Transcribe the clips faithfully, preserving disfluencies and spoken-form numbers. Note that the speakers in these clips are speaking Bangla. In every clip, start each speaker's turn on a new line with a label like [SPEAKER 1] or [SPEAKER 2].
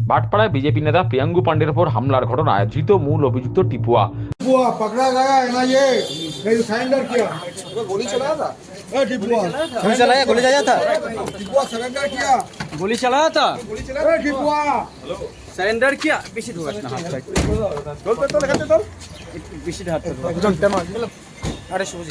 [SPEAKER 1] ভাটপাড়ায় বিজেপি নেতা প্রিয়াঙ্গু পাণ্ডের ওপর হামলার ঘটনায় ধৃত মূল অভিযুক্ত টিপুয়া।
[SPEAKER 2] टिपुआ पकड़ा गया एनआईए ने सरेंडर किया। गोली चलाया था ए टिपुआ
[SPEAKER 3] गोली चलाया गोली चलाया था
[SPEAKER 2] टिपुआ सरेंडर किया।
[SPEAKER 3] गोली चलाया था
[SPEAKER 2] गोली चलाया ए टिपुआ
[SPEAKER 3] सरेंडर किया बेশি ধোয়াস না হাত
[SPEAKER 2] चल पे तो लगाते चल
[SPEAKER 3] বেশি হাত চল তেমন আরে সুজি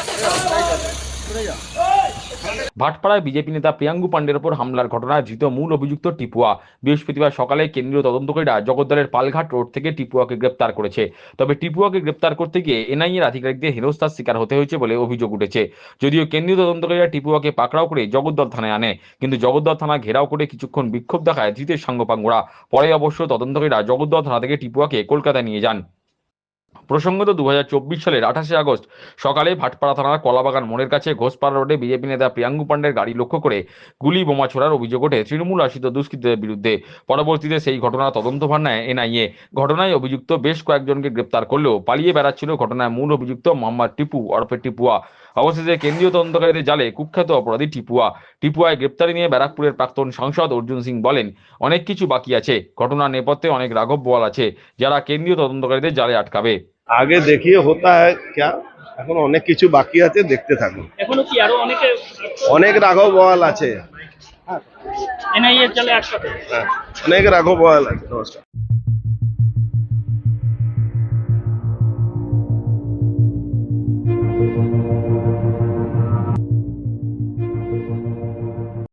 [SPEAKER 1] ভাটপাড়ায় বিজেপি নেতা প্রিয়াঙ্গু পাণ্ডের ওপর হামলার ঘটনায় ধৃত মূল অভিযুক্ত টিপুয়া। বৃহস্পতিবার সকালে কেন্দ্রীয় তদন্তকারীরা জগদ্দলের পালঘাট রোড থেকে টিপুয়াকে গ্রেপ্তার করেছে। তবে টিপুয়াকে গ্রেপ্তার করতে গিয়ে এনআইএর আধিকারিকদের হেনস্থার শিকার হতে হয়েছে বলে অভিযোগ উঠেছে। যদিও কেন্দ্রীয় তদন্তকারীরা টিপুয়াকে পাকড়াও করে জগদ্দল থানায় আনে, কিন্তু জগদ্দল থানা ঘেরাও করে কিছুক্ষণ বিক্ষোভ দেখায় ধৃতের সাঙ্গপাঙ্গরা। পরে অবশ্য তদন্তকারীরা জগদ্দল থানা থেকে টিপুয়াকে কলকাতায় নিয়ে যান। প্রসঙ্গত দু হাজার চব্বিশ সালের আঠাশে আগস্ট সকালে ভাটপাড়া থানার কলাবাগান মোড়ের কাছে ঘোষপাড়া রোডে বিজেপি নেতা প্রিয়াঙ্গু পাণ্ডের গাড়ি লক্ষ্য করে গুলি বোমা ছোড়ার অভিযোগ ওঠে তৃণমূল আশ্রিত দুষ্কৃতীদের বিরুদ্ধে। পরবর্তীতে সেই ঘটনার তদন্তভার নেয় এনআইএ। ঘটনায় অভিযুক্ত বেশ কয়েকজনকে গ্রেপ্তার করলেও পালিয়ে বেড়াচ্ছিল ঘটনায় মূল অভিযুক্ত মোহাম্মদ টিপু ওরফে টিপুয়া। অবশেষে কেন্দ্রীয় তদন্তকারীদের জালে কুখ্যাত অপরাধী টিপুয়া। টিপুয়ায় গ্রেপ্তারি নিয়ে ব্যারাকপুরের প্রাক্তন সাংসদ অর্জুন সিং বলেন, অনেক কিছু বাকি আছে, ঘটনার নেপথ্যে অনেক রাঘব বোয়াল আছে যারা কেন্দ্রীয় তদন্তকারীদের জালে আটকাবে।
[SPEAKER 4] আগে দেখিয়ে হতা হয় ক্যা, এখন অনেক কিছু বাকি আছে, দেখতে থাকুন।
[SPEAKER 5] এখনো কি আরো অনেকে
[SPEAKER 4] অনেক রাঘব বোয়াল আছে,
[SPEAKER 5] এনআইএ চলে একসাথে?
[SPEAKER 4] হ্যাঁ অনেক রাঘব বোয়াল আছে। নমস্কার।